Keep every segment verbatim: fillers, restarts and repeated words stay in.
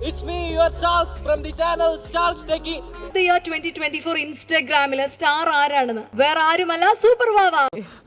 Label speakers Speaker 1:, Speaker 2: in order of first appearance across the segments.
Speaker 1: It's me, your Charles from the channel Charles Techie.
Speaker 2: The year twenty twenty-four ഇൻസ്റ്റഗ്രാമിലെ star ആരാണെന്ന് വേറെ ആരുമല്ല super വാവ.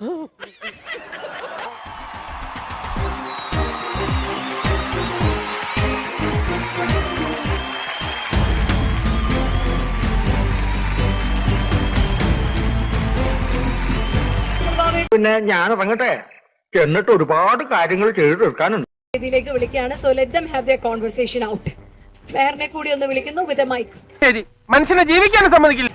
Speaker 3: പിന്നെ ഞാൻ ഇറങ്ങട്ടെ, എന്നിട്ട് ഒരുപാട് കാര്യങ്ങൾ ചെയ്തു തീർക്കാനുണ്ട്.
Speaker 2: ഇതിലേക്ക് വിളിക്കുകയാണ്. So let them have their conversation out. വേറെ കൂടി ഒന്ന് വിളിക്കുന്നു വിത്ത് എ മൈക്ക്.
Speaker 4: ശരി, മനുഷ്യനെ ജീവിക്കാൻ സമ്മതിക്കില്ല.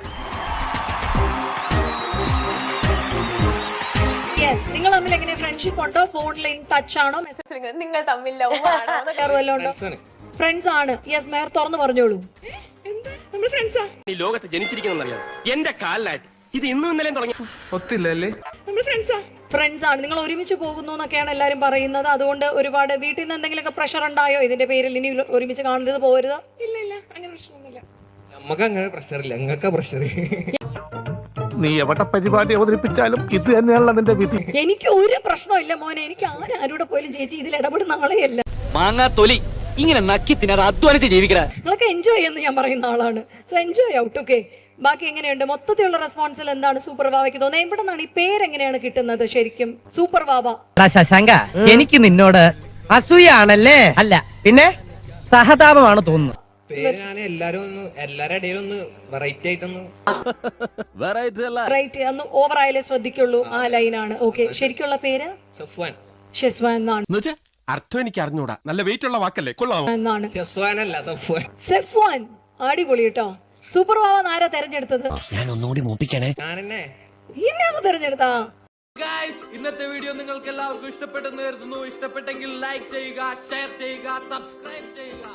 Speaker 2: യെസ്, നിങ്ങൾ തമ്മിൽ എങ്ങനെ ഫ്രണ്ട്ഷിപ്പ് ഉണ്ടോ? ഫോണിൽ ടച്ച് ആണോ? മെസ്സേജ് നിങ്ങൾ തമ്മിൽ ലവ് ആണോ? ഫ്രണ്ട്സ് ആണ്. യെസ്, മേയർ തുറന്നു പറഞ്ഞോളൂ. എന്താ നമ്മൾ ഫ്രണ്ട്സാ?
Speaker 4: ഈ ലോകത്ത് ജനിച്ചിരിക്കുന്നറിയാം എന്റെ കാലിലായിട്ട് ഇത് ഇന്നും ഇന്നലെയും തുടങ്ങി ഒത്തില്ലല്ലേ.
Speaker 2: നമ്മൾ ഫ്രണ്ട്സാ ഫ്രണ്ട്സ് ആണ്. നിങ്ങൾ ഒരുമിച്ച് പോകുന്നു എന്നൊക്കെയാണ് എല്ലാവരും പറയുന്നത്. അതുകൊണ്ട് ഒരുപാട് വീട്ടിൽ നിന്ന് എന്തെങ്കിലുമൊക്കെ പ്രഷർ ഉണ്ടായോ ഇതിന്റെ പേരിൽ? ഇനി ഒരുമിച്ച് കാണരുത്, പോരുത്? ഇല്ല ഇല്ല, അങ്ങനെ പ്രശ്നമൊന്നുമില്ല.
Speaker 5: നമുക്ക് അങ്ങനെ പ്രഷർ ഇല്ല, നിങ്ങൾക്ക് പ്രഷർ.
Speaker 3: നീ എവിടെ പരിപാടി അവതരിപ്പിച്ചാലും ഇത് തന്നെയാണല്ലോ നിന്റെ വിധി.
Speaker 2: എനിക്ക് ഒരു പ്രശ്നമില്ല മോനെ. എനിക്ക് ആരാരുടെ പോലും ചേച്ചി ഇതിൽ ഇടപെടുന്ന ആളെയല്ല.
Speaker 1: മാങ്ങാ തൊലി ഇങ്ങനെ നക്കി തിന്നാതെ അധ്വാനിച്ച് ജീവിക്കണ.
Speaker 2: നിങ്ങളൊക്കെ എൻജോയ് എന്ന് ഞാൻ പറയുന്ന ആളാണ്. So enjoy out. ഓക്കെ, ബാക്കി എങ്ങനെയുണ്ട്? മൊത്തത്തിലുള്ള റെസ്പോൺസിൽ എന്താണ് സൂപ്പർ വാവയ്ക്ക് തോന്നുന്നത്? എവിടെ നിന്നാണ് ഈ പേരെങ്ങനെയാണ് കിട്ടുന്നത് ശരിക്കും? സൂപ്പർ വാവ.
Speaker 6: ശശാങ്ക, എനിക്ക് നിന്നോട് അസൂയാണല്ലേ? അല്ല, പിന്നെ സഹതാപമാണ് തോന്നുന്നു.
Speaker 5: പേര് ഞാൻ എല്ലാരും ഒന്ന് എല്ലാരുടെ ഇടയിലും ഒന്ന് വെറൈറ്റി ആയിട്ടൊന്ന്
Speaker 2: റൈറ്റ്, ഒന്ന് ഓവർ ആയാലേ ശ്രദ്ധിക്കുള്ളൂ. ആ ലൈനാണ്. ഓക്കെ, ശരിക്കുള്ള പേര്
Speaker 5: സഫ്വാൻ.
Speaker 2: ഷെസ്വാൻ എന്നാണ്.
Speaker 7: അർത്ഥം എനിക്ക് അറിഞ്ഞൂടാ. നല്ല വെയിറ്റ് ഉള്ള വാക്കല്ലേ, കൊള്ളാമോ?
Speaker 2: എന്നാണ്.
Speaker 5: സഫ്വാൻ അല്ല, സഫ്വാൻ.
Speaker 2: സെഫ്വാൻ. അടിപൊളി കേട്ടോ. സൂപ്പർ വാവ ആരാ തെരഞ്ഞെടുത്തത്?
Speaker 7: ഞാൻ ഒന്നുകൂടി മൂപ്പിക്കണേ.
Speaker 5: ഞാൻ തന്നെ
Speaker 2: ഇന്നാണ് തെരഞ്ഞെടുത്താ.
Speaker 1: Guys, ഇന്നത്തെ വീഡിയോ നിങ്ങൾക്ക് എല്ലാവർക്കും ഇഷ്ടപ്പെട്ടെന്ന് കരുതുന്നു. ഇഷ്ടപ്പെട്ടെങ്കിൽ ലൈക്ക് ചെയ്യുക, ഷെയർ ചെയ്യുക, സബ്സ്ക്രൈബ് ചെയ്യുക.